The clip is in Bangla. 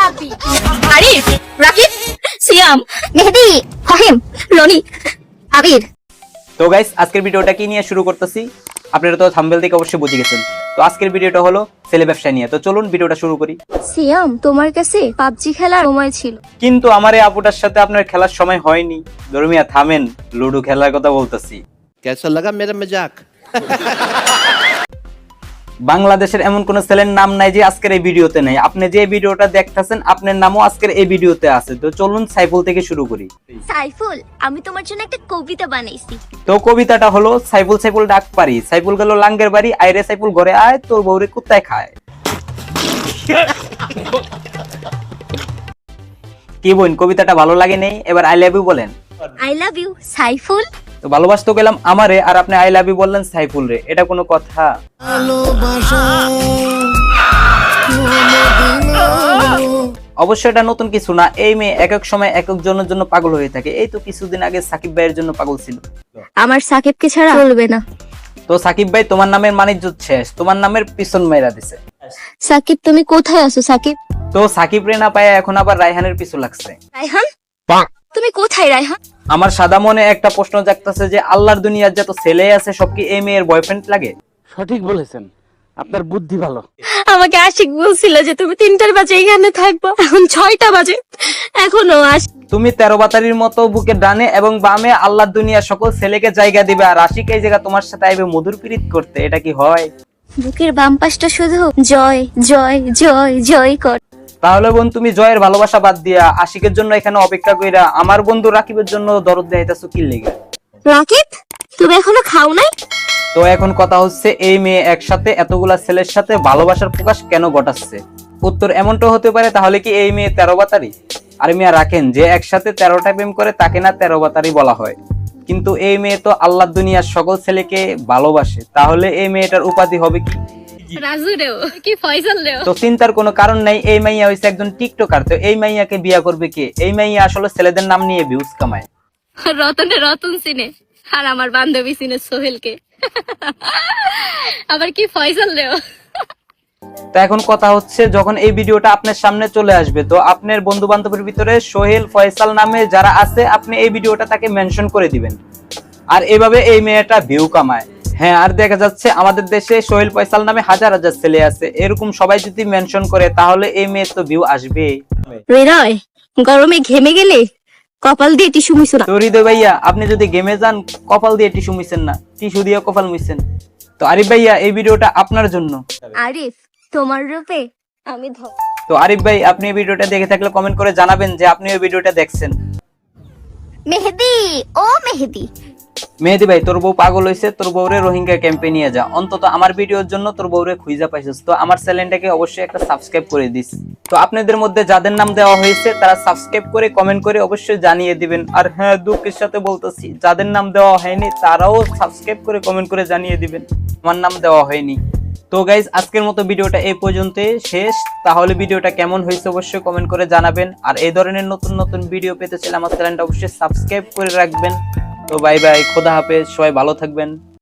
রাব্বি, আরিফ, রাকিব, সিয়াম, মেহেদি, ফাহিম, রনি, আবির। তো গাইস আজকের ভিডিওটা কি নিয়ে শুরু করতেছি আপনারা তো থাম্বনেল দেখে অবশ্যই বুঝে গেছেন। তো আজকের ভিডিওটা হলো ছেলে ব্যবসা নিয়ে। তো চলুন ভিডিওটা শুরু করি। সিয়াম, তোমার কাছে পাবজি খেলার সময় ছিল, কিন্তু আমার এই আপুটার সাথে আপনার খেলার সময় হয়নি। ধর্মিয়া থামেন, লুডো খেলার কথা বলতেছি। कैसा लगा मेरा मजाक? বাংলাদেশের এমন কোন ছেলের নাম নাই যে আজকের এই ভিডিওতে নাই। আপনি যে ভিডিওটা দেখতেছেন আপনার নামও আজকের এই ভিডিওতে আছে। তো চলুন সাইফুল থেকে শুরু করি। সাইফুল, আমি তোমার জন্য একটা কবিতা বানাইছি। তো কবিতাটা হলো সাইফুল সাইফুল ডাক পারি, সাইফুল গেল লাঙ্গের বাড়ি, আইরে সাইফুল ঘরে আয়, তোর বউরে কুত্তায় খায়। কি বোন, কবিতাটা ভালো লাগে নেই? এবার আই লাভ ইউ বলেন। I love you Saiful. তো ভালোবাসতে গেলাম আমারে, আর আপনি আই লাভ ইউ বললেন সাইফুল রে, এটা কোনো কথা? অবশ্যই এটা নতুন কিছু না। এই মেয়ে এক এক সময় এক এক জনের জন্য পাগল হয়ে থাকে। এই তো কিছুদিন আগে সাকিব ভাইয়ের জন্য পাগল ছিল। আমার সাকিবকে ছাড়া চলবে না। তো সাকিব ভাই তোমার নামের মানিজ্য শেষ, তোমার নামের পিছন মেরা দিছে। সাকিব, তুমি কোথায় আছো সাকিব? তো সাকিব রে না পায় এখন আবার রায়হানের পিছু লাগছে। রায়হান, তুমি কোথায় রায়হান? আমার সাদা মনে একটা প্রশ্ন জাগতেছে যে আল্লাহর দুনিয়ার যত ছেলে আছে সব কি এই মেয়ের বয়ফ্রেন্ড লাগে? সঠিক বলেছেন, আপনার বুদ্ধি ভালো। আমাকে আশিক বলছিল যে তুমি 3টার বাজে এখানে থাকবো, এখন 6টা বাজে, এখনো তুমি 13 বাতারির মতো বুকে ডানে এবং বামে আল্লাহর দুনিয়ার সকল ছেলেকে জায়গা দিবে, আর আশিক এই জায়গা তোমার সাথে আইবে মধুর প্রীত করতে। এটা কি হয়? বুকের বাম পাশটা শুধু জয় জয় জয় জয় কর। তাহলে বোন তুমি জয়ের ভালোবাসা বাদ দিয়া আশিকের জন্য এখানে অপেক্ষা কইরা আমার বন্ধু রাকিবের জন্য দরদ দেখাইতাছো কি লেগে? রাকিব, তুমি এখনো খাও নাই? তো এখন কথা হচ্ছে এই মেয়ে একসাথে এতগুলা ছেলের সাথে ভালোবাসার প্রকাশ কেন ঘটাচ্ছে? উত্তর এমনটা হতে পারে, তাহলে কি এই মেয়ে 13 বাতারি? আরে মিয়া রাখেন, যে একসাথে 13টা প্রেম করে তাকে না 13 বাতারি বলা হয়? কিন্তু এই মেয়ে তো আল্লাহর দুনিয়ার সকল ছেলেকে ভালোবাসে, তাহলে এই মেয়েটার উপাধি হবে কি? রাজু রেও কি ফয়সাল রেও? তো চিন্তার কোনো কারণ নাই। এই মাইয়া হইছে একজন টিকটকার। তো এই মাইয়াকে বিয়া করবে কে? এই মাইয়া আসলে ছেলেদের নাম নিয়ে ভিউজ কামায়। রতনে রতন সিনে, আর আমার বান্ধবী সিনে সোহেলকে, আবার কি ফয়সাল রেও। তো এখন কথা হচ্ছে, যখন এই ভিডিওটা আপনার সামনে চলে আসবে তো আপনার বন্ধু বান্ধবের ভিতরে সোহেল ফয়সাল নামে যারা আছে আপনি এই ভিডিওটা তাকে মেনশন করে দিবেন, আর এভাবে এই মেয়েটা ভিউ কামায়। হ্যাঁ, আর দেখা যাচ্ছে আমাদের দেশে সোহেল ফয়সাল নামে হাজার হাজার ছেলে আছে, এরকম সবাই যদি মেনশন করে তাহলে এই মেয়ের তো ভিউ আসবে। হৃদয়, গরমে ঘেমে গেলে কপাল দিয়ে টিস্যু মুছো না। তো হৃদয় ভাইয়া, আপনি যদি গেমে যান কপাল দিয়ে টিস্যু মুছেন না, টিস্যু দিয়ে কপাল মুছেন। তো আরিফ ভাইয়া, এই ভিডিওটা আপনার জন্য। আরিফ, তোমার রূপে আমি তো আরিফ ভাই, আপনি এই ভিডিওটা দেখে থাকলে কমেন্ট করে জানাবেন যে আপনি এই ভিডিওটা দেখছেন। মেহেদি, ও মেহেদি। মেহেদি ভাই, তোর বউ পাগল হইছে, তোর বউরে রোহিঙ্গা ক্যাম্পে নিয়ে যা। অন্তত আমার ভিডিওর জন্য তোর বউরে খুঁজা পাইছিস। তো আমার চ্যানেলটাকে অবশ্যই একটা সাবস্ক্রাইব করে দিস। তো আপনাদের মধ্যে যাদের নাম দেওয়া হয়েছে তারা সাবস্ক্রাইব করে কমেন্ট করে অবশ্যই জানিয়ে দিবেন। আর হ্যাঁ, দুঃখের সাথে বলতেছি, যাদের নাম দেওয়া হয়নি তারাও সাবস্ক্রাইব করে কমেন্ট করে জানিয়ে দিবেন আমার নাম দেওয়া হয়নি। তো গাইজ, আজকের মতো ভিডিওটা এই পর্যন্তই শেষ। তাহলে ভিডিওটা কেমন হয়েছে অবশ্যই কমেন্ট করে জানাবেন, আর এই ধরনের নতুন নতুন ভিডিও পেতে চাইলে আমার চ্যানেলটা অবশ্যই সাবস্ক্রাইব করে রাখবেন। তো বাই বাই, খোদা হাফেজ, সবাই ভালো থাকবেন।